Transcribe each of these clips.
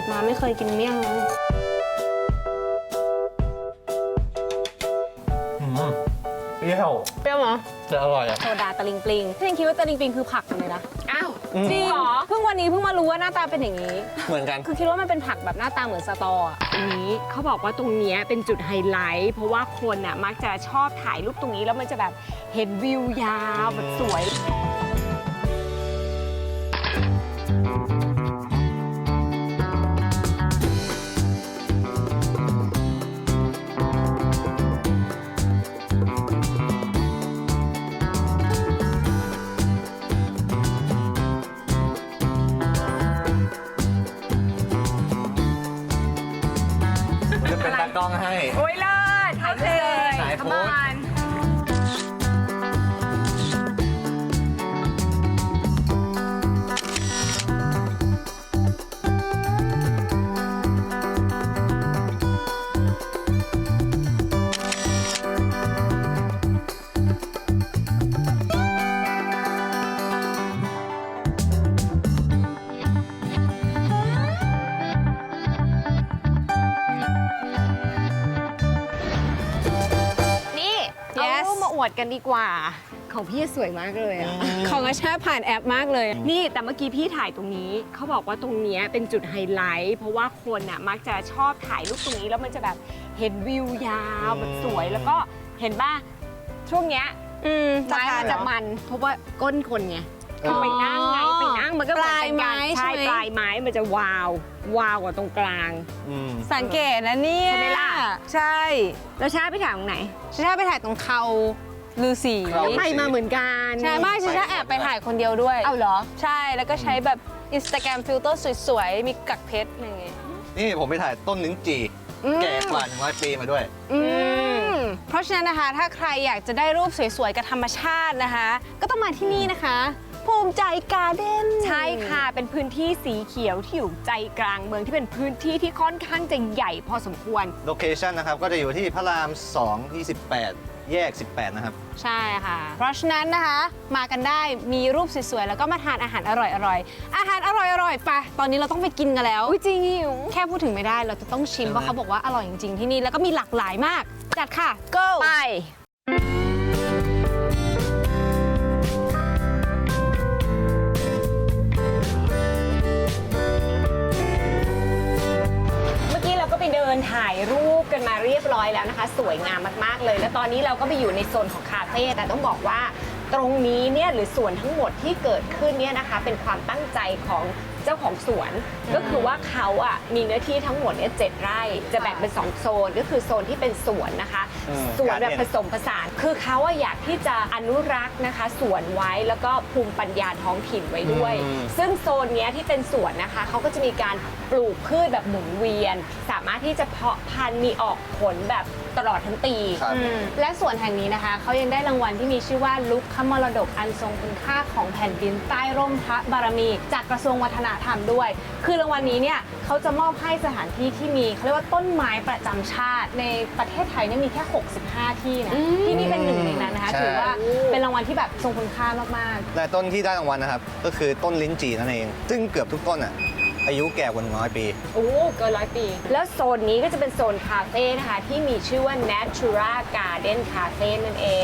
ดมาไม่เคยกินเมี่ยงเลยเปรี้ยวเปรี้ยวเหรอจะอร่อยอ่ะโซดาตะลิงปลิงพี่ยังคิดว่าตะลิงปลิงคือผักเลยนะอ้าวจริงเหรอเพิ่งวันนี้เพิ่งมารู้ว่าหน้าตาเป็นอย่างนี้เหมือนกันคือคิดว่ามันเป็นผักแบบหน้าตาเหมือนสตออ่ะตรงนี้เขาบอกว่าตรงเนี้ยเป็นจุดไฮไลท์เพราะว่าคนน่ะมักจะชอบถ่ายรูปตรงนี้แล้วมันจะแบบเห็นวิวยาวแบบสวยจะเป็นตากล้องให้โอ้ยเลิศถ่ายรูปเลยถ่ายโพสต์ขมานนี่เอา Yes รูปมาอวดกันดีกว่า ของพี่สวยมากเลยอะของอาชาผ่านแอปมากเลยนี่แต่เมื่อกี้พี่ถ่ายตรงนี้เขาบอกว่าตรงเนี้ยเป็นจุดไฮไลท์เพราะว่าคนน่ะมักจะชอบถ่ายรูปตรงนี้แล้วมันจะแบบเห็นวิวยาวแบบสวยแล้วก็เห็นป่ะช่วงเนี้ยจะไม้ทานมันเหรจะอมันเพราะว่าก้นคนไงอ๋อไปนั่งไงไปนั่งมันก็เหมือนเป็นปลายไม้การใช่ใช่ไหมปลายไม้มันจะวาวกว่าตรงกลางอืมสังเกตนะเนี่ยใช่ไหมล่ะใช่แล้วชาไปถ่ายตรงไหนชาไปถ่ายตรงเขาลือสีเขาไปมาเหมือนกันใช่ไม่ชาแอบไปถ่ายคนเดียวด้วยเอาเหรอใช่แล้วก็ใช้แบบ Instagram ฟิลเตอร์สวยๆ มีกักเพชรอะไรอย่างเงี้ยนี่ผมไปถ่ายต้นลิ้นจี่แก่กว่า100 ปีมาด้วยเพราะฉะนั้นนะคะถ้าใครอยากจะได้รูปสวยๆ กับธรรมชาตินะคะ ก็ต้องมาที่นี่นะคะ ภูมิใจการ์เด้นใช่ค่ะ เป็นพื้นที่สีเขียวที่อยู่ใจกลางเมืองที่เป็นพื้นที่ที่ค่อนข้างจะใหญ่พอสมควรโลเคชั่นนะครับ ก็จะอยู่ที่พระราม 2 28 แยก 18 นะครับใช่ค่ะ เพราะฉะนั้นนะคะมากันได้มีรูปสวยๆ แล้วก็มาทานอาหารอร่อยๆ อาหารอร่อยๆไปตอนนี้เราต้องไปกินกันแล้วอุ้ยจริงหิวแค่พูดถึงไม่ได้เราจะต้องชิมใช่ไหมเพราะเขาบอกว่าอร่อยจริงๆที่นี่แล้วก็มีหลากหลายมาก จัดค่ะ go ไป เมื่อกี้เราก็ไปเดินถ่ายรูปกันมาเรียบร้อยแล้วนะคะ สวยงามมากๆเลย แล้วตอนนี้เราก็ไปอยู่ในโซนของคาเฟ่แต่ต้องบอกว่าตรงนี้เนี่ยหรือส่วนทั้งหมดที่เกิดขึ้นเนี่ยนะคะ เป็นความตั้งใจของเจ้าของสวน ก็คือว่าเขาอ่ะมีเนื้อที่ทั้งหมดเนี่ย7 ไร่ จะแบ่งเป็น 2 โซนก็คือโซนที่เป็นสวนนะคะ สวนแบบผสมผสาน คือเขาอะอยากที่จะอนุรักษ์นะคะสวนไว้แล้วก็ภูมิปัญญาท้องถิ่นไว้ด้วย ซึ่งโซนเนี้ยที่เป็นสวนนะคะเขาก็จะมีการปลูกพืชแบบหมุนเวียน สามารถที่จะเพาะพันธุ์มีออกผลแบบตลอดทั้งปีครับและส่วนแห่งนี้นะคะเขายังได้รางวัลที่มีชื่อว่าลุกขมรดกอันทรงคุณค่าของแผ่นดินใต้ร่มพระบารมี จากกระทรวงวัฒนธรรมด้วย คือรางวัลนี้เนี่ยเขาจะมอบให้สถานที่ที่มีเขาเรียกว่าต้นไม้ประจำชาติ ในประเทศไทยเนี่ยมีแค่ 65 ที่นะที่นี่เป็นหนึ่งในนั้นนะคะใช่ถือว่าเป็นรางวัลที่แบบทรงคุณค่ามากและต้นที่ได้รางวัลนะครับ ก็คือต้นลิ้นจี่นั่นเอง ซึ่งเกือบทุกต้นอ่ะ อายุแก่กว่า100 ปีโอ้เกิน100 ปี แล้วโซนนี้ก็จะเป็นโซนคาเฟ่นะคะที่มีชื่อว่า Natura Garden Cafe นั่นเอง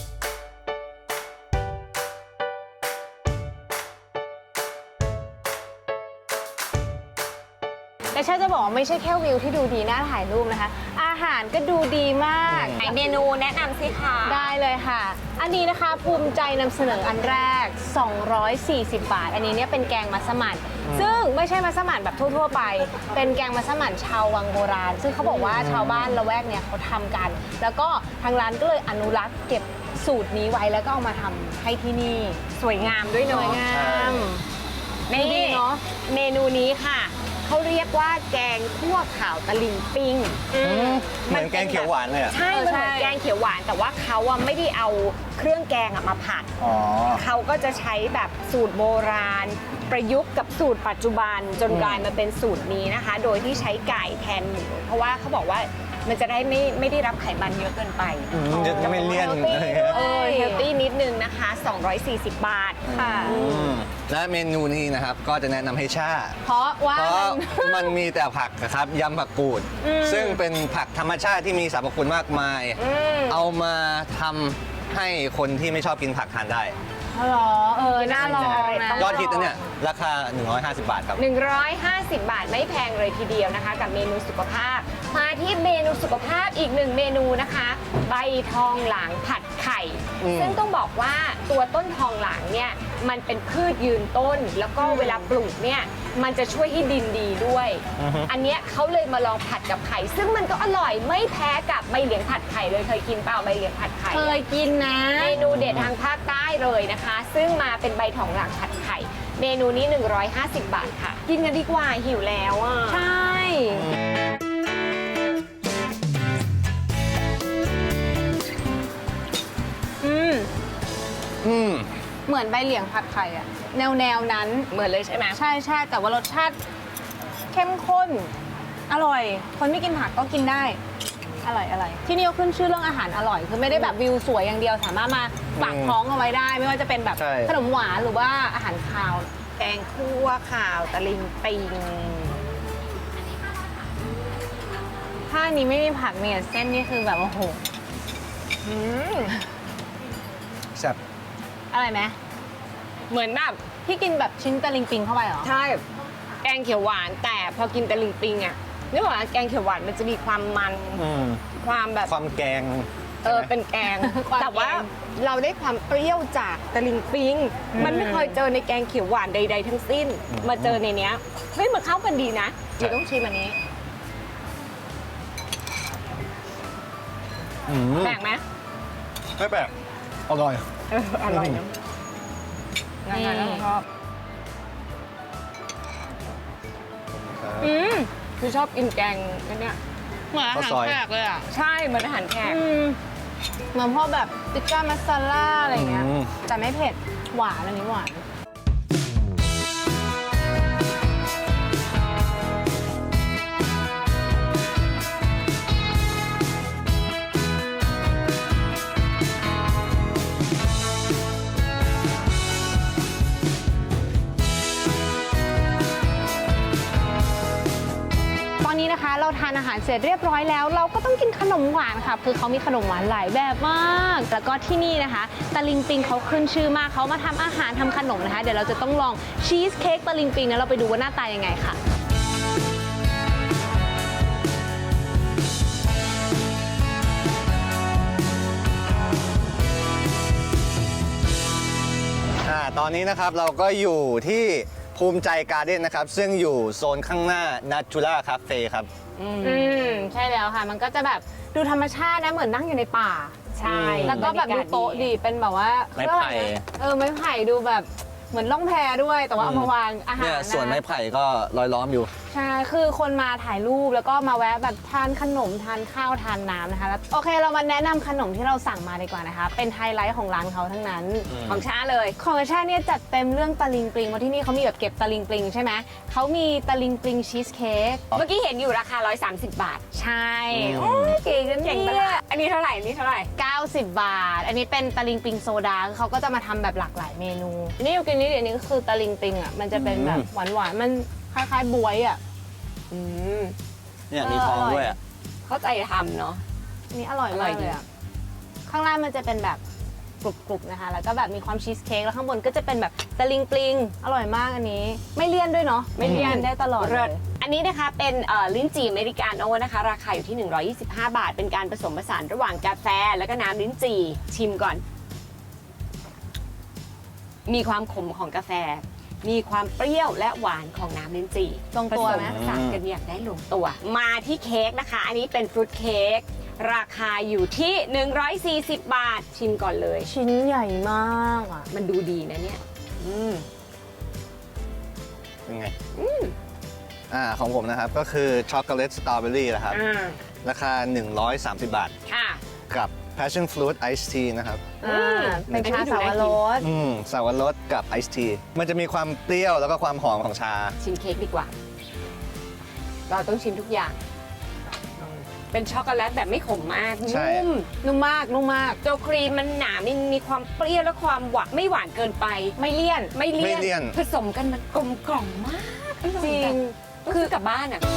ๆแต่ชาจะบอกว่าไม่ใช่แค่วิวที่ดูดีน่าถ่ายรูปนะคะ อาหารก็ดูดีมากไหนเมนูแนะนำสิคะได้เลยค่ะ อันนี้นะคะภูมิใจนำเสนออันแรก 240 บาท อันนี้เนี่ยเป็นแกงมัสมั่นซึ่งไม่ใช่มัสมั่นแบบทั่วๆไป เป็นแกงมัสมั่นชาววังโบราณ ซึ่งเขาบอกว่าชาวบ้านละแวกเนี่ยเขาทำกัน แล้วก็ทางร้านก็เลยอนุรักษ์เก็บสูตรนี้ไว้แล้วก็เอามาทำให้ที่นี่สวยงามด้วยสเนาะวยงามนี่ดีเนาะเมนูนี้ค่ะ เขาเรียกว่าแกงคั่วขาวตะลิงปิงเหมือนแกงเขียวหวานเลยอ่ะใช่มันเหมือนแกงเขียวหวาน แต่ว่าเขาอะไม่ได้เอาเครื่องแกงอะมาผัดอ๋อเขาก็จะใช้แบบสูตรโบราณ ประยุกต์กับสูตรปัจจุบันจนกลายมาเป็นสูตรนี้นะคะ โดยที่ใช้ไก่แทนหมูเพราะว่าเขาบอกว่ามันจะได้ไม่ได้รับไขมันเยอะเกินไปจะไม่เลี่ยน healthy อะไรเงี้ยเฮลตี้นิดนึงนะคะ 240 บาทค่ะและเมนูนี้นะครับก็จะแนะนำให้ชาเพราะว่าเพราะมันมันมีแต่ผักนะครับยำผักกูด ซึ่งเป็นผักธรรมชาติที่มีสรรพคุณมากมาย เอามาทำให้คนที่ไม่ชอบกินผักทานได้เหรอน่าลองนะยอดฮิตนะเนี่ย ราคา 150 บาทครับ 150 บาทไม่แพงเลยทีเดียวนะคะ กับเมนูสุขภาพ มาที่เมนูสุขภาพอีกหนึ่งเมนูนะคะ ใบทองหลางผัดไข่ ซึ่งต้องบอกว่าตัวต้นทองหลางเนี่ยมันเป็นพืชยืนต้น แล้วก็เวลาปลูกเนี่ยมันจะช่วยให้ดินดีด้วย อันเนี้ยเขาเลยมาลองผัดกับไข่ ซึ่งมันก็อร่อยไม่แพ้กับใบเหลียงผัดไข่เลยเคยกินเปล่าใบเหลียงผัดไข่เคยกินนะเมนูเด็ดทางภาคใต้เลยนะคะ ซึ่งมาเป็นใบทองหลางผัดไข่ เมนูนี้ 150 บาทค่ะ กินกันดีกว่าหิวแล้วอ่ะใช่อืมเหมือนใบเหลียงผัดไข่อะแนวนั้นเหมือนเลยใช่ไหมใช่ใช่แต่ว่ารสชาติเข้มข้น อร่อย คนไม่กินผักก็กินได้ อร่อยอร่อยที่นี่ก็ขึ้นชื่อเรื่องอาหารอร่อย คือไม่ได้แบบวิวสวยอย่างเดียวสามารถมาฝากท้องเอาไว้ได้ ไม่ว่าจะเป็นแบบใช่ขนมหวานหรือว่าอาหารคาวแกงคั่วข่าวตะลิงปิงถ้าอันนี้ไม่มีผักเนี่ยเส้นนี่คือแบบโอ้โหแซ่บอะไรไหมเหมือนแบบพี่กินแบบชิ้นตะลิงปิงเข้าไปเหรอใช่แกงเขียวหวาน แต่พอกินตะลิงปิงอ่ะนึกว่าแกงเขียวหวานมันจะมีความมันอืมความแบบความแกงเป็นแกงความแกงแต่ว่าเราได้ความเปรี้ยวจากตะลิงปิง มันไม่เคยเจอในแกงเขียวหวานใด ๆ ทั้งสิ้น มาเจอในเนี้ยเฮ้ยมันเข้ากันดีนะเดี๋ยวต้องชิมอันนี้อืมแปลกไหมไม่แปลกอร่อยอร่อยนะงั้นๆชอบคือชอบกินแกงอันเนี้ยเหมือนอาหารข้าวซอยแขกเลยอ่ะใช่เหมือนอาหารแขกเหมือนพวกแบบติ๊กก้ามัสซาล่าอะไรอย่างเงี้ยอืมแต่ไม่เผ็ด หวานอันนี้หวาน ตอนนี้นะคะเราทานอาหารเสร็จเรียบร้อยแล้ว เราก็ต้องกินขนมหวานค่ะคือเขามีขนมหวานหลายแบบมาก แล้วก็ที่นี่นะคะตะลิงปิงเขาขึ้นชื่อมากเขามาทำอาหารทำขนมนะคะ เดี๋ยวเราจะต้องลองชีสเค้กตะลิงปิงนะเราไปดูว่าหน้าตายังไงค่ะตอนนี้นะครับเราก็อยู่ที่ภูมิใจการ์เด้นนะครับ ซึ่งอยู่โซนข้างหน้า Natura Cafe ครับใช่แล้วค่ะ มันก็จะแบบดูธรรมชาตินะเหมือนนั่งอยู่ในป่าใช่แล้วก็แบบดูโต๊ะดีเป็นแบบว่าไม้ไผ่ไม้ไผ่ดูแบบเหมือนล่องแพด้วย แต่ว่าเอามาวางอาหารเนี่ยนะสวนไม้ไผ่ก็ลอยล้อมอยู่ใช่ คือคนมาถ่ายรูปแล้วก็มาแวะแบบทานขนมทานข้าวทานน้ำนะคะแล้วโอเคเรามาแนะนำขนมที่เราสั่งมาดีกว่านะคะ เป็นไฮไลท์ของร้านเขาทั้งนั้นของชาเลยของชาเนี่ยจัดเต็มเรื่องตะลิงปลิงเพราะที่นี่เขามีแบบเก็บตะลิงปลิงใช่ไหมเขามีตะลิงปลิงชีสเค้กเมื่อกี้เห็นอยู่ราคา 130 บาทใช่โอ้ยเก๋กันเก่งปะเนี่ล่ะยอันนี้เท่าไหร่ อันนี้เท่าไหร่ 90 บาท อันนี้เป็นตะลิงปิงโซดาคือเขาก็จะมาทำแบบหลากหลายเมนู นี่อยู่กินนี่เดี๋ยวนี้ก็คือตะลิงปิงอ่ะ มันจะเป็นแบบหวานๆ มันคล้ายๆบวยอ่ะอืมเนี่ยมีทองด้วยอ่ะเข้าใจทำเนาะอันนี้อร่อยอร่มาอยกดีเลยอ่ะ ข้างล่างมันจะเป็นแบบกรุบๆนะคะ แล้วก็แบบมีความชีสเค้ก แล้วข้างบนก็จะเป็นแบบตะลิงปลิง อร่อยมากอันนี้ ไม่เลี่ยนด้วยเนาะไม่เลี่ยนได้ตลอดเลเลิศยอันนี้นะคะเป็นลิ้นจี่อเมริกาโน่นะคะ ราคาอยู่ที่ 125 บาท เป็นการผสมผสานระหว่างกาแฟ แล้วก็น้ำลิ้นจี่ชิมก่อน มีความขมของกาแฟ มีความเปรี้ยวและหวานของน้ำลิ้นจี่ลงตัวไหมผสผสานกันอย่างได้ลงตัว มาที่เค้กนะคะ อันนี้เป็นฟรุตเค้กราคาอยู่ที่ 140 บาท ชิมก่อนเลยชิ้นใหญ่มากอ่ะมันดูดีนะเนี่ยเป็นไงของผมนะครับก็คือช็อกโกแลตสตรอเบอรี่นะครับ ราคา 130 บาทค่ะกับ Passion Fruit Ice Tea นะครับเป็นชาสาวรสสาวรสกับไอซ์ทีมันจะมีความเปรี้ยวแล้วก็ความหอมของชาชิมเค้กดีกว่า เราต้องชิมทุกอย่างเป็นช็อกโกแลตแบบไม่ขมมากใช่นุ่มนุ่มมากตัวครีมมันหนามีความเปรี้ยวและความหวานไม่หวานเกินไปไม่เลี่ยนไม่เลี่ไม่เลี่ยนผสมกันมันกลมกล่อมมากออยจริงแบบคือกลับบ้านอ่ะ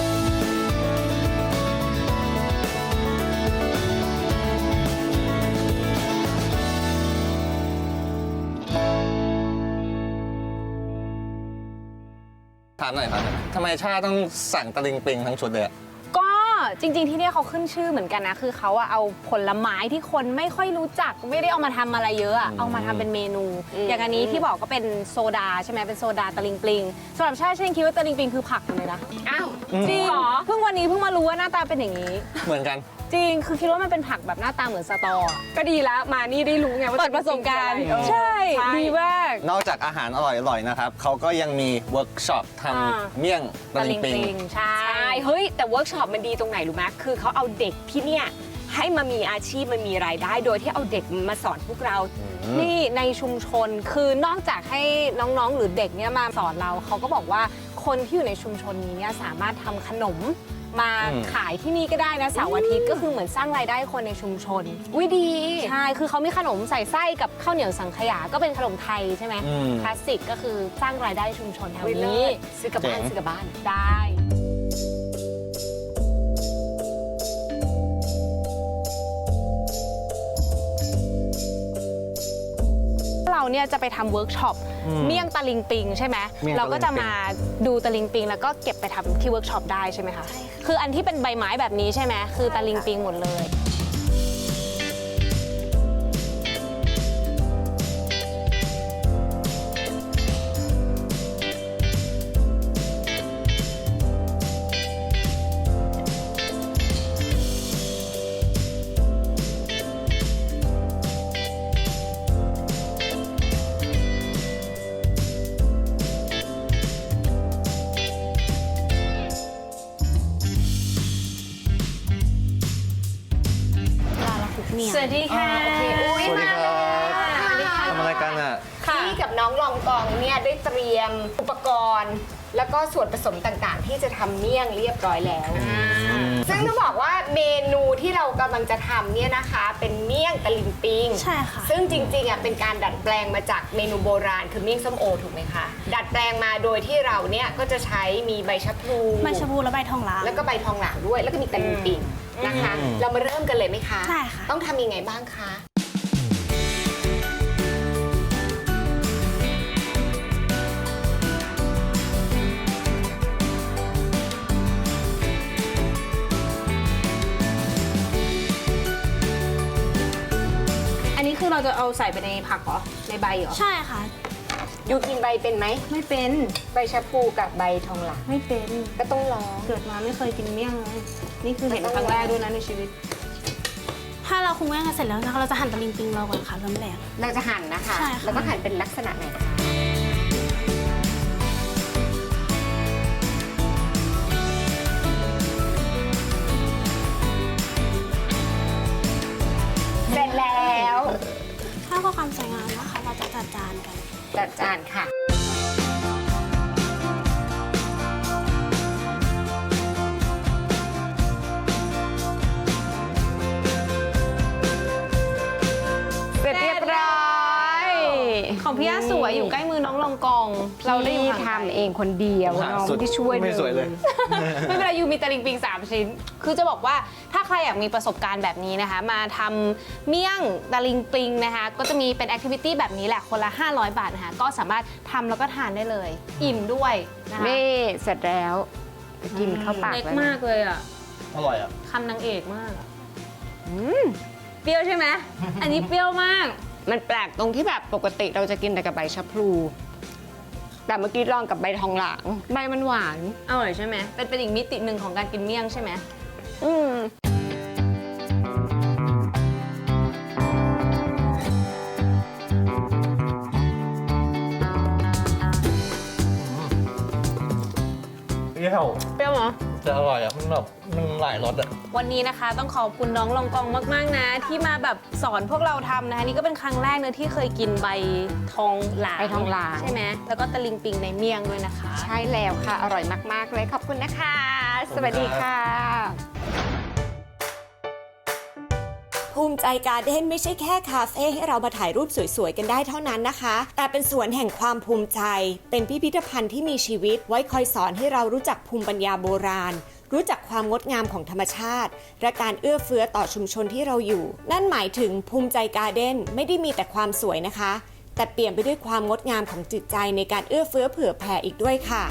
ถามหน่อยครับทำไมชาต้องสั่งตะลิงปิงทั้งชุดเลยอะก็จริงๆที่เนี่ยเขาขึ้นชื่อเหมือนกันนะ คือเขาอะเอาผลไม้ที่คนไม่ค่อยรู้จักไม่ได้เอามาทำอะไรเยอะอะเอามาทำเป็นเมนู อย่างอันนี้ที่บอกก็เป็นโซดาใช่ไหมเป็นโซดาตะลิงปิงสำหรับชาฉันคิดว่าตะลิงปิงคือผักเลยนะอ้าวจริงเหรอเพิ่งวันนี้เพิ่งมารู้ว่าหน้าตาเป็นอย่างนี้เหมือนกันจริงคือคิดว่ามันเป็นผักแบบหน้าตาเหมือนสตออะก็ดีแล้วมานี่ได้รู้ไงว่าเปิดประสบการณ์จงๆคืออะไรใช่ใช่ดีมากนอกจากอาหารอร่อยๆนะครับเขาก็ยังมีเวิร์กช็อปทอ่าำเมี่ยงตะลิงปิงใช่ใช่เฮ้ยแต่เวิร์กช็อปมันดีตรงไหนรู้ไหมคือเขาเอาเด็กที่เนี่ยให้มามีอาชีพมันมีรายได้ โดยที่เอาเด็กมาสอนพวกเรานี่ในชุมชนคือนอกจากให้น้องๆ หรือเด็กเนี่ยมาสอนเราเขาก็บอกว่าคนที่อยู่ในชุมชนนี้เนี่ยสามารถทำขนมมาขายที่นี่ก็ได้นะเสาร์อาทิตย์ก็คือเหมือนสร้างรายได้คนในชุมชนอุ้ยดีใช่คือเขามีขนมใส่ไส้กับข้าวเหนียวสังขยาก็เป็นขนมไทยใช่ไหมอืมคลาสสิกก็คือสร้างรายได้ชุมชนแถวอุ๊ยเลินี้ศซื้อกลับบ้านเจ๋งซื้อกลับบ้านได้ เราเนี่ยจะไปทำเวิร์กช็อปเมี่ยงตะลิงปิงใช่ไหมเมี่ยงตะลิงปิงเราก็จะมาดูตะลิงปิงแล้วก็เก็บไปทำที่เวิร์กช็อปได้ใช่ไหมคะคืออันที่เป็นใบไม้แบบนี้ใช่ไหมคือตะลิงปิงหมดเลยเวลาเราคลุกเมี่ยงสวัสดีค่ะโอเคอุ๊ยสวัสดีครับสวัสดีค่ะทำอะไรกันอ่ะพี่กับน้องลองกองเนี่ยได้เตรียมอุปกรณ์ แล้วก็ส่วนผสมต่างๆ ที่จะทำเมี่ยงเรียบร้อยแล้ว ซึ่งต้องบอกว่าเมนูที่เรากำลังจะทำเนี่ยนะคะ เป็นเมี่ยงตะลิงปิงใช่ค่ะซึ่งจริงๆอ่ะเป็นการดัดแปลงมาจากเมนูโบราณคือเมี่ยงส้มโอถูกไหมคะ ดัดแปลงมาโดยที่เราเนี่ยก็จะใช้มีใบชะพลูใบชะพูและใบทองหลางแล้วก็ใบทองหลางด้วย แล้วก็มีตะลิงปิงนะคะ เรามาเริ่มกันเลยไหมคะได้ค่ะต้องทำยังไงบ้างคะอันนี้คือเราจะเอาใส่ไปในผักเหรอในใบเหรอใช่ค่ะยูกินใบเป็นไหมไม่เป็นใบชะพลูกับใบทองหลางไม่เป็นก็ต้องลองเกิดมาไม่เคยกินเมี่ยงเลยนี่คือเห็นครั้งแรกด้วยนะในชีวิตถ้าเราคลุกแป้งกันเสร็จแล้วนะคะเราจะหั่นตะลิงปิงเราก่อนค่ะเริ่มแรกเราจะหั่นนะคะใช่ค่ะแล้วก็หั่นเป็นลักษณะไหนคะเสร็จแล้วถ้าเพื่อความสวยงามนะคะ เราจะจัดจานกันจัดจานค่ะ เสร็จเรียบร้อยของพี่ย่าสวยอยู่ใกล้มือน้องลองกอง เราได้อยู่พี่ห่างไกลทำเองคนเดียวหาน้องสุดไม่ได้ช่วยไม่สวยเลยไม่เป็นไรยูมีตะลิงปิง3 ชิ้น คือจะบอกว่าถ้าใครอยากมีประสบการณ์แบบนี้นะคะ มาทำเมี่ยงตะลิงปิงนะคะ ก็จะมีเป็นแอคทิวิตี้แบบนี้แหละคนละ 500 บาทนะคะ ก็สามารถทำแล้วก็ทานได้เลย อิ่มด้วยนะคะนี่เสร็จแล้วกินเข้าปากเล็กแล้วนะมากเลยอ่ะอร่อยอ่ะคำนางเอกมากอะเปรี้ยวใช่ไหม อันนี้เปรี้ยวมากมันแปลกตรงที่แบบปกติเราจะกินแต่กับใบชะพลู แต่เมื่อกี้ลองกับใบทองหลาง ใบมันหวานอร่อยใช่ไหมเป็นอีกมิติหนึ่งของการกินเมี่ยงใช่ไหมอืมเปรี้ยวเปรี้ยวเหรอแต่อร่อยอ่ะ มันแบบมันหลายรสอ่ะวันนี้นะคะต้องขอบคุณน้องลองกองมาก ๆ นะ ที่มาแบบสอนพวกเราทำนะคะนี่ก็เป็นครั้งแรกเนอะที่เคยกินใบทองหลางใบทองหลางใช่ไหมแล้วก็ตะลิงปิงในเมี่ยงด้วยนะคะใช่แล้วค่ะ อร่อยมาก ๆ เลยขอบคุณนะคะ สวัสดีค่ะภูมิใจการ์เด้นไม่ใช่แค่คาเฟ่ให้เรามาถ่ายรูปสวยๆกันได้เท่านั้นนะคะ แต่เป็นสวนแห่งความภูมิใจ เป็นพิพิธภัณฑ์ที่มีชีวิตไว้คอยสอนให้เรารู้จักภูมิปัญญาโบราณ รู้จักความงดงามของธรรมชาติ และการเอื้อเฟื้อต่อชุมชนที่เราอยู่ นั่นหมายถึงภูมิใจการ์เด้นไม่ได้มีแต่ความสวยนะคะ แต่เปลี่ยนไปด้วยความงดงามของจิตใจในการเอื้อเฟื้อเผื่อแผ่อีกด้วยค่ะ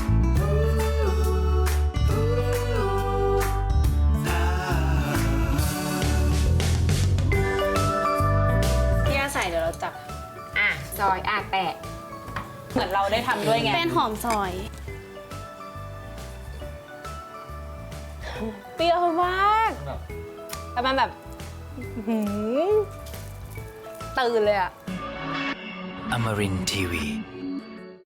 พี่ย่าใส่เดี๋ยวเราจับซอยแตะเหมือนเราได้ทำด้วยไงเป็นหอมซอยเปรี้ยวมากแต่มันแบบหืมตื่นเลยอะ Amarin Tiwi.